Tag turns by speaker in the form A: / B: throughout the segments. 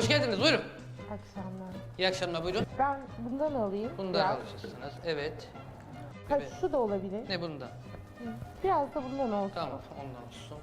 A: Hoş geldiniz, buyurun.
B: Akşamlar.
A: İyi akşamlar, buyurun.
B: Ben bundan alayım.
A: Bundan
B: biraz.
A: alacaksınız, evet.
B: Ha,
A: Evet.
B: şu da olabilir.
A: Ne bundan?
B: Biraz da bundan olsun.
A: Tamam, ondan olsun.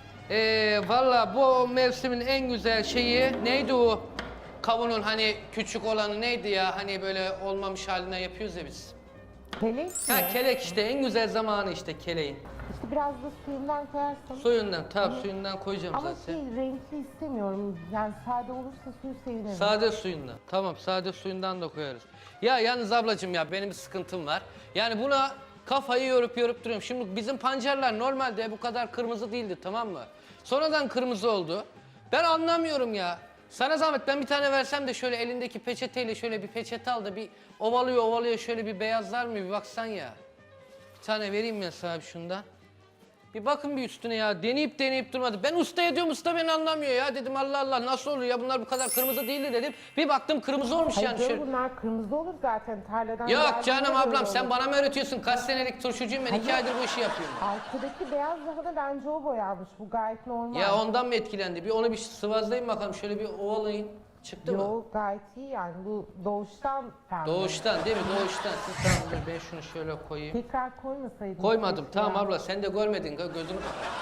A: Valla bu mevsimin en güzel şeyi neydi o? Kavunun hani küçük olanı neydi ya? Hani böyle olmamış haline yapıyoruz ya biz.
B: Kelek mi?
A: Ha, kelek işte, en güzel zamanı işte keleğin.
B: İşte biraz da suyundan koyarsan.
A: Suyundan, tabii suyundan koyacağım
B: Ama
A: zaten.
B: renkli istemiyorum. Yani sade olursa suyu sevinirim.
A: Sade suyundan. Tamam, sade suyundan da koyarız. Ya yalnız ablacığım ya benim bir sıkıntım var. Yani buna kafayı yorup duruyorum. Şimdi bizim pancarlar normalde bu kadar kırmızı değildi, tamam mı? Sonradan kırmızı oldu. Ben anlamıyorum ya. Sana zahmet ben bir tane versem de şöyle elindeki peçeteyle şöyle bir peçete al da bir ovalıyor şöyle bir beyazlar mı bir baksan ya. Bir tane vereyim ben sana şundan. Bir bakın bir üstüne ya. Deneyip durmadı. Ben ustaya diyorum, usta beni anlamıyor ya. Dedim Allah Allah nasıl olur ya, bunlar bu kadar kırmızı değildi dedim. Bir baktım kırmızı olmuş
B: Hayır,
A: yani
B: canım,
A: şöyle.
B: bunlar kırmızı olur zaten tarladan.
A: Yok
B: geldiğinde
A: canım
B: böyle
A: ablam sen
B: olur.
A: bana mı öğretiyorsun? Kaç senelik turşucuyum ben, 2
B: Hayır.
A: aydır bu işi yapıyorum.
B: Arkadaki beyaz daha da bence o boyanmış. Bu gayet normal.
A: Ya ondan mı etkilendi? Bir onu bir sıvazlayayım bakalım, şöyle bir ovalayın. Çıktı mı?
B: Yok gayet iyi yani. Bu doğuştan pembe.
A: Doğuştan değil mi? Doğuştan. Siz tamam dur ben şunu şöyle koyayım.
B: Tekrar koymasaydın.
A: Koymadım
B: keşke
A: tamam
B: ya.
A: abla, sen de görmedin gözünü.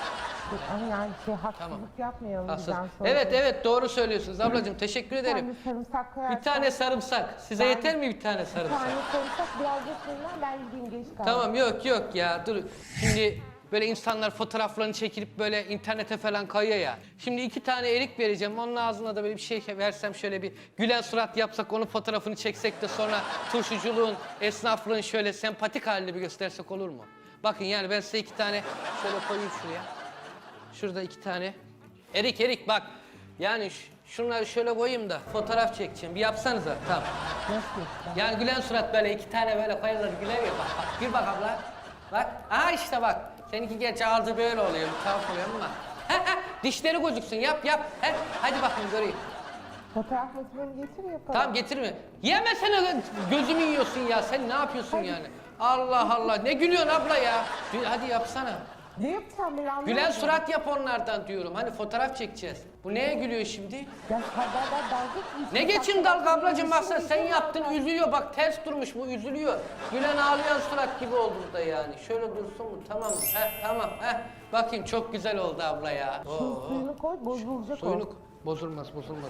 B: Ama yani haksızlık yapmayalım
A: Hassas.
B: bizden sonra.
A: Evet doğru söylüyorsunuz ablacığım, teşekkür
B: Bir tane
A: ederim.
B: sarımsak koyarsan.
A: Bir tane sarımsak. Size
B: Ben-
A: yeter mi bir tane
B: Bir
A: sarımsak?
B: tane sarımsak biraz da suyundan ben gideyim geç kaldım.
A: Tamam yok ya dur. Şimdi böyle insanlar fotoğraflarını çekilip böyle internete falan kayıyor ya. Şimdi 2 tane erik vereceğim. Onun ağzına da böyle bir şey versem, şöyle bir gülen surat yapsak, onun fotoğrafını çeksek de sonra turşuculuğun, esnaflığın şöyle sempatik halini bir göstersek olur mu? Bakın yani ben size 2 tane şöyle koyayım şuraya. Şurada 2 tane. Erik bak. Yani şunları şöyle koyayım da fotoğraf çekeceğim. Bir yapsanıza. Tamam.
B: Nasıl yapacağım?
A: Yani gülen surat böyle 2 tane böyle koyarlar güler ya, bak. Gül bak abla. Bak. Aha işte bak. Seninki gerçi ağzı böyle oluyor. Bir tuhaf oluyor ama. Dişleri gözüksün. Yap. Hadi bakayım göreyim.
B: Fotoğraf makinemi getir yapalım.
A: Tamam getirme. Yemesene, gözümü yiyorsun ya. Sen ne yapıyorsun yani? Allah Allah. Ne gülüyorsun abla ya? Hadi yapsana.
B: Ne yapacağım ben anlamadım.
A: Gülen surat yap onlardan diyorum. Hani fotoğraf çekeceğiz. Bu neye gülüyor şimdi?
B: Ya haberler dalga geçiyor.
A: Ne geçin dalga ablacığım, baksana sen yaptın üzülüyor, bak ters durmuş bu, üzülüyor. Gülen ağlayan surat gibi oldu da yani. Şöyle dursun mu? Tamam mı? Tamam. Bakayım çok güzel oldu abla ya.
B: Şu suyunu koy bozulacak
A: Suyunu
B: o.
A: bozulmaz.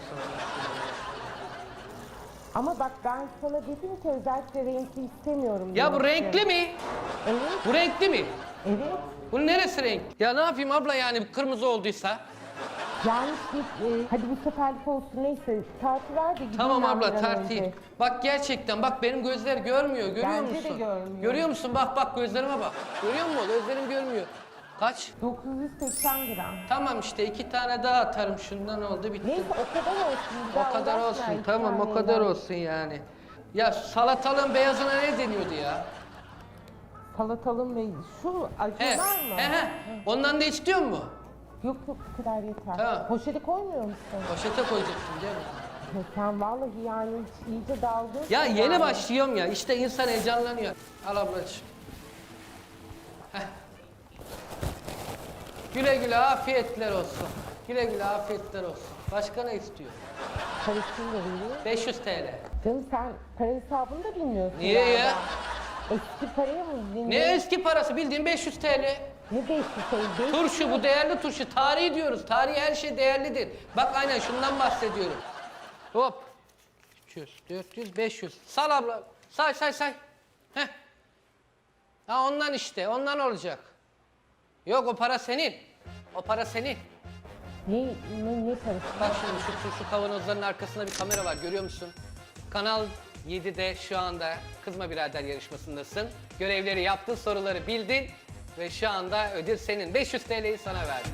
B: Ama bak ben sana dedim ki özellikle renkli istemiyorum.
A: Ya bu
B: demiştim.
A: renkli mi?
B: Evet.
A: Bu renkli mi?
B: Evet.
A: Bunun neresi renk? Ya ne yapayım abla yani, kırmızı olduysa?
B: Yani hadi bu seferlik olsun neyse tartı ver de gideyim
A: Tamam
B: ben
A: abla
B: bir an
A: tartayım.
B: önce.
A: Bak gerçekten bak benim gözler görmüyor, görüyor
B: Bence
A: musun?
B: de görmüyor.
A: Görüyor musun? Bak gözlerime bak. Görüyor musun? Gözlerim görmüyor. Kaç?
B: 980 gram.
A: Tamam işte 2 tane daha atarım, şundan oldu bitti.
B: Neyse o kadar olsun. bir daha
A: O kadar
B: uğraşma
A: olsun,
B: iki
A: tamam o
B: taneyle.
A: kadar olsun yani. Ya salatalığın beyazına ne deniyordu ya?
B: Salatalım ve şu acılar mı?
A: He. Ondan da istiyor mu?
B: Yok bu kadar yeter.
A: Tamam.
B: Poşeti koymuyor musun?
A: Poşete koyacaktım değil mi?
B: Ya sen vallahi yani iyice dalga.
A: Ya yeni başlıyorum ya, işte insan heyecanlanıyor. Al ablacığım. Heh. Güle güle afiyetler olsun. Güle güle afiyetler olsun. Başka ne istiyor?
B: Parasını da veriyor.
A: 500 TL.
B: Canım sen para hesabını da bilmiyorsun.
A: Niye
B: galiba.
A: ya?
B: Eski paraya mı bilmiyorsun?
A: Ne eski parası, bildiğin 500 TL.
B: Ne 500 şey?
A: Turşu, bu değerli turşu. Tarihi diyoruz. Tarihi her şey değerlidir. Bak aynen şundan bahsediyorum. Hop. 300, 400, 500. Sal abla. Say. Heh. Ha ondan işte. Ondan olacak. Yok o para senin. O para senin.
B: Ne parası?
A: Bak şimdi şu turşu kavanozlarının arkasında bir kamera var. Görüyor musun? Kanal 7'de şu anda Kızma Birader yarışmasındasın. Görevleri yaptın, soruları bildin. Ve şu anda ödül senin. 500 TL'yi sana verdim.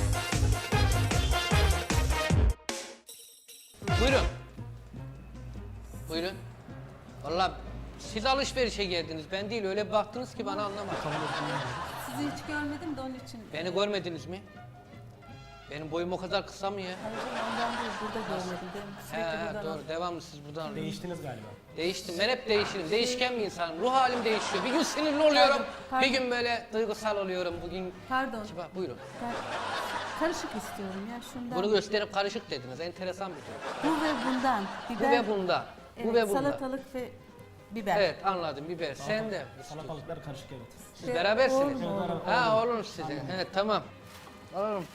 A: Buyurun. Vallahi siz alışverişe geldiniz. Ben değil, öyle baktınız ki bana, anlamadım.
C: Sizi hiç görmedim de onun için.
A: Beni görmediniz mi? Benim boyum o kadar kısa mı ya?
C: Hayır ondan değil, burada görmedim. Ben sürekli buradan
A: Doğru. Devamlı siz buradan alıyorsunuz.
D: Değiştiniz galiba.
A: Değiştim. Ben hep değişirim. Değişken bir insanım. Ruh halim değişiyor. Bir gün sinirli oluyorum.
C: Pardon.
A: Bir gün böyle duygusal oluyorum. Bugün...
C: Pardon.
A: Buyurun.
C: Ben karışık istiyorum ya şundan.
A: Bunu gösterip karışık dediniz. Enteresan bir durum.
C: Bu ve bundan.
A: Bu
C: Biber,
A: ve bunda. Bu
C: evet,
A: ve bunda.
C: salatalık ve biber.
A: Evet anladım biber. Sen de.
D: Salatalıklar karışık evet.
A: Siz berabersiniz.
C: Olur.
A: Ha olur size. Evet tamam. Alalım.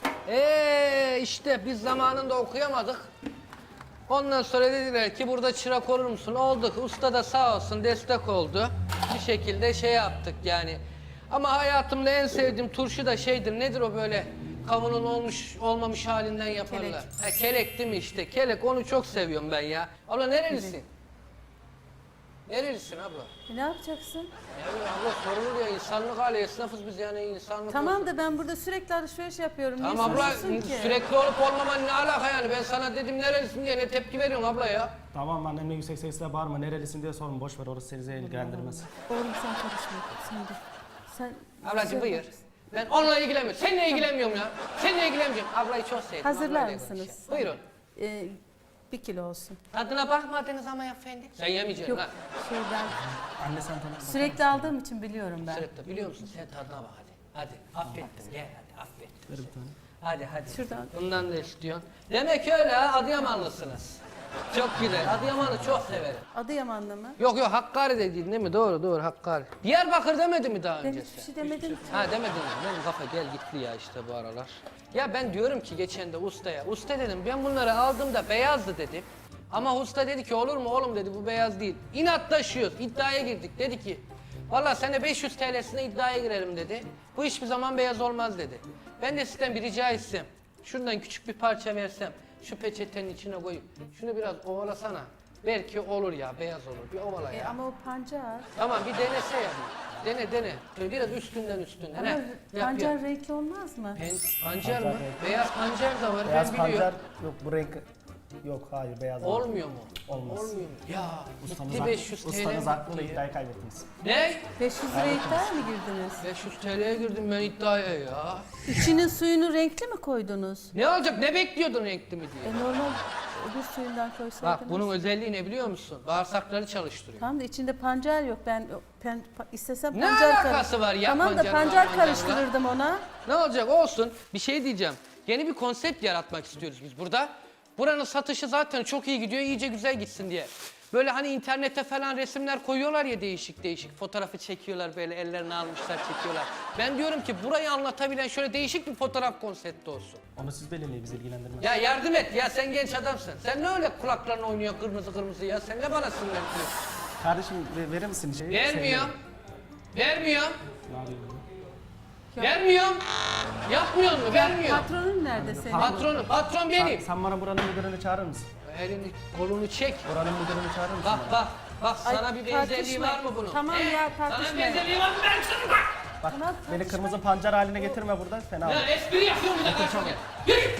A: İşte biz zamanında okuyamadık. Ondan sonra dediler ki burada çırak olur musun? Olduk. Usta da sağ olsun destek oldu. Bir şekilde şey yaptık yani. Ama hayatımda en sevdiğim turşu da şeydir. Nedir o böyle kavunun olmuş olmamış halinden yaparlar.
C: Kelek.
A: Ha, kelek değil mi işte? Kelek onu çok seviyorum ben ya. Abla nerelisin? Nerelisin abla?
C: Ne yapacaksın?
A: Ya abla sorulur ya insanlık hali esnafız biz yani insanlık.
C: Tamam da ben burada sürekli alışveriş yapıyorum. Niye
A: Tamam abla
C: soruyorsun ki?
A: sürekli olup olmaman ne alaka yani ben sana dedim nerelisin diye ne tepki veriyorsun abla ya.
D: Tamam annemle yüksek sesle bağırma nerelisin diye sorun boş ver orası seni ilgilendirmez.
C: Oğlum sen karışma. Sen de. Sen
A: Ablacığım
C: Sen-
A: buyur. Ben onunla ilgilenmiyorum. Seninle ilgilenmiyorum ya. Seninle ilgilenmiyorum. Ablayı çok sevdim.
C: Hazırlar
A: ablayla
C: mısınız?
A: konuşayım. Buyurun.
C: 1 kilo olsun.
A: Tadına bakmadınız ama efendim. Sen yemeyeceksin
C: Yok
A: ha.
C: şeyden
D: Anne sen tanı.
C: sürekli aldığım için biliyorum ben.
A: Sürekli biliyor musun? Sen tadına bak hadi. Hadi affettim gel hadi affettim.
D: Ver bir tane.
A: Hadi.
C: Şuradan.
A: Bundan da istiyorsun. Demek öyle ha Adıyamanlısınız. Çok güzel. Adıyaman'ı çok severim.
C: Adıyamanlı mı?
A: Yok Hakkari dediğin değil mi? Doğru Hakkari. Diyarbakır demedi mi daha
C: Ben
A: önce
C: hiçbir
A: sen?
C: şey demedim ki.
A: Ha demedin mi? Benim kafa gel gitti ya işte bu aralar. Ya ben diyorum ki geçen de ustaya. Usta dedim ben bunları aldığımda beyazdı dedim. Ama usta dedi ki olur mu oğlum dedi bu beyaz değil. İnatlaşıyoruz. İddiaya girdik. Dedi ki vallahi sen de 500 TL'sine iddiaya girelim dedi. Bu hiçbir zaman beyaz olmaz dedi. Ben de sizden bir rica etsem. Şundan küçük bir parça versem. Şu peçetenin içine koyup şunu biraz ovalasana. Belki olur ya beyaz olur. Bir ovala ya.
C: Ama o pancar.
A: Tamam bir denese ya. Dene. Şöyle biraz üstünden.
C: Ama
A: Yap,
C: pancar
A: yap.
C: renkli olmaz mı?
A: Pancar mı?
D: Pancar renkli.
A: Beyaz pancar da var
D: Beyaz
A: ben biliyorum.
D: pancar yok bu renk yok hayır beyaz.
A: Olmuyor mu?
D: Olmaz.
A: Olmuyor mu? Ya
D: Ustanız,
A: gitti 500 TL.
D: ustanız haklı da
A: gitti.
D: iddiayı kaybettiniz.
A: Ne?
C: 500 liraya iddiaya mı girdiniz?
A: 500 TL'ye girdim ben iddiaya ya.
C: İçinin suyunu renkli mi koydunuz?
A: Ne olacak? Ne bekliyordun renkli mi diye?
C: Normal öbür suyundan koysaydınız.
A: Bak bunun özelliği ne biliyor musun? Bağırsakları çalıştırıyor.
C: Tamam da içinde pancar yok. Ben istesem
A: Ne
C: pancar
A: alakası var ya
C: Tamam da
A: pancarla,
C: pancar
A: pancarla?
C: karıştırırdım ona.
A: Ne olacak olsun. Bir şey diyeceğim. Yeni bir konsept yaratmak istiyoruz biz burada. Buranın satışı zaten çok iyi gidiyor, iyice güzel gitsin diye. Böyle hani internete falan resimler koyuyorlar ya değişik. Fotoğrafı çekiyorlar böyle ellerini almışlar çekiyorlar. Ben diyorum ki burayı anlatabilen şöyle değişik bir fotoğraf konsepti olsun.
D: Onu siz belirleyin bizi ilgilendirmez.
A: Ya yardım et ya sen genç adamsın. Sen ne öyle kulakların oynuyor kırmızı ya sen ne bana sinirlendiriyorsun?
D: Kardeşim verir misin şeyi?
A: Vermiyorum. Vermiyorum.
D: Ne yapıyorsun?
A: Vermiyorum. Yapmıyor mu? Vermiyor.
C: Patronun nerede senin?
A: Patron benim.
D: Sen bana buranın müdürünü çağırır mısın?
A: Elini kolunu çek.
D: Buranın müdürünü çağırır mısın?
A: Bak
D: bana?
A: bak sana bir benzerliği
C: tartışma.
A: var mı bunun?
C: Tamam
A: He?
C: ya,
A: Sana bir
C: tartışmayın.
A: benzerliği var mı ben sana bak.
D: Bak
C: Tamam,
D: beni
C: tartışma.
D: kırmızı pancar haline getirme burada fena olur.
A: Ya espri yapıyorum bir de karşıma gel. Yürü.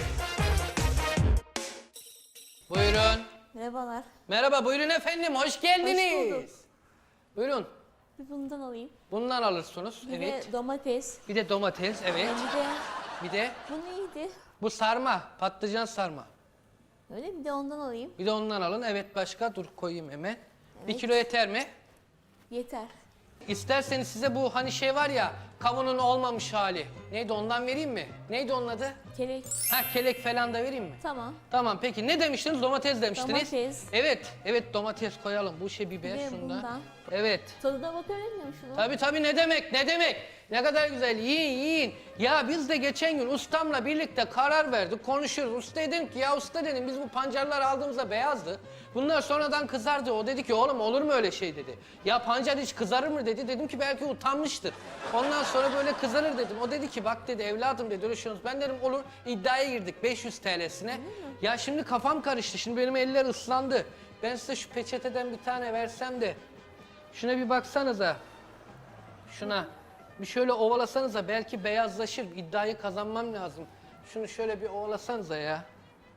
A: Buyurun.
E: Merhabalar.
A: Merhaba buyurun efendim hoş geldiniz.
E: Hoş bulduk.
A: Buyurun.
E: Bir bundan alayım.
A: Bundan alırsınız.
E: Bir
A: Evet.
E: de domates.
A: Bir de domates evet.
E: Bir de
A: Bir de
E: bunu iyiydi.
A: bu sarma, patlıcan sarma.
E: Öyle bir de ondan alayım.
A: Bir de ondan alın. Evet başka dur koyayım hemen. Bir
E: Evet.
A: kilo yeter mi?
E: Yeter.
A: İsterseniz size bu hani şey var ya kavunun olmamış hali. Neydi ondan vereyim mi? Neydi onun adı?
E: Kelek.
A: Ha kelek falan da vereyim mi?
E: Tamam.
A: Tamam peki ne demiştiniz? Domates demiştiniz.
E: Domates.
A: Evet domates koyalım. Bu şey biber
E: Bir de
A: şunda.
E: bundan.
A: Evet.
E: Tadına bakabilir miyim şunu?
A: Tabii ne demek? Ne kadar güzel yiyin. Ya biz de geçen gün ustamla birlikte karar verdik konuşuyoruz. Usta dedim ki ya usta dedim biz bu pancarları aldığımızda beyazdı. Bunlar sonradan kızardı. O dedi ki oğlum olur mu öyle şey dedi. Ya pancar hiç kızarır mı dedi. Dedim ki belki utanmıştır. Ondan sonra böyle kızarır dedim. O dedi ki bak dedi evladım dedi öyle şey olmaz. Ben dedim olur iddiaya girdik 500 TL'sine. Ya şimdi kafam karıştı. Şimdi benim eller ıslandı. Ben size şu peçeteden bir tane versem de şuna bir baksanıza. Şuna bir şöyle ovalasanıza belki beyazlaşır. İddiayı kazanmam lazım. Şunu şöyle bir ovalasanıza ya.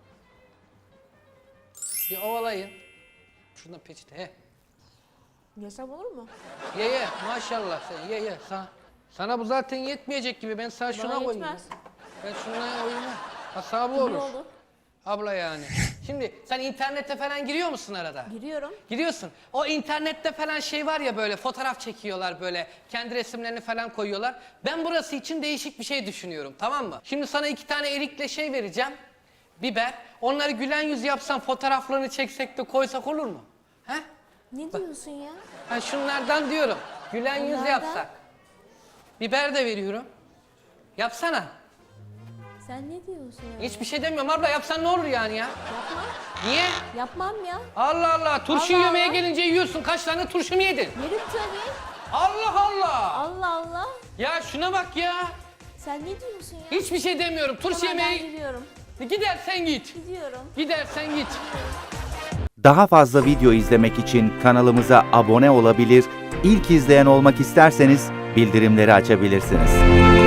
A: Bir ovalayın. Şuradan peçete. He.
E: Yesem olur mu?
A: Ye maşallah sen ye. Sana bu zaten yetmeyecek gibi. Ben sana şuna
E: Bana
A: koyayım.
E: yetmez.
A: Ben şuna koyayım. Hesabı
E: İyi
A: olur.
E: oldu.
A: Abla yani. Şimdi sen internete falan giriyor musun arada?
E: Giriyorum.
A: Giriyorsun. O internette falan şey var ya böyle fotoğraf çekiyorlar böyle. Kendi resimlerini falan koyuyorlar. Ben burası için değişik bir şey düşünüyorum, tamam mı? Şimdi sana 2 tane erikle şey vereceğim. Biber. Onları gülen yüz yapsan fotoğraflarını çeksek de koysak olur mu? He?
E: Ne diyorsun ya?
A: Ha şunlardan diyorum. Gülen yüz
E: Onlardan?
A: yapsak. Biber de veriyorum. Yapsana.
E: Sen ne diyorsun ya?
A: Hiçbir şey demiyorum abla, yapsan ne olur yani ya?
E: Yapmam.
A: Niye?
E: Yapmam ya.
A: Allah Allah, turşu
E: Allah
A: yemeye
E: Allah.
A: gelince yiyorsun. Kaç tane turşu mu yedin?
E: Yerim tabii.
A: Allah Allah.
E: Allah Allah.
A: Ya şuna bak ya.
E: Sen ne diyorsun ya?
A: Hiçbir şey demiyorum. Turşu
E: Tamam, ben
A: yemeye
E: gidiyorum.
A: gidersen git.
E: Gidiyorum.
A: Gidersen git.
F: Daha fazla video izlemek için kanalımıza abone olabilir, ilk izleyen olmak isterseniz bildirimleri açabilirsiniz.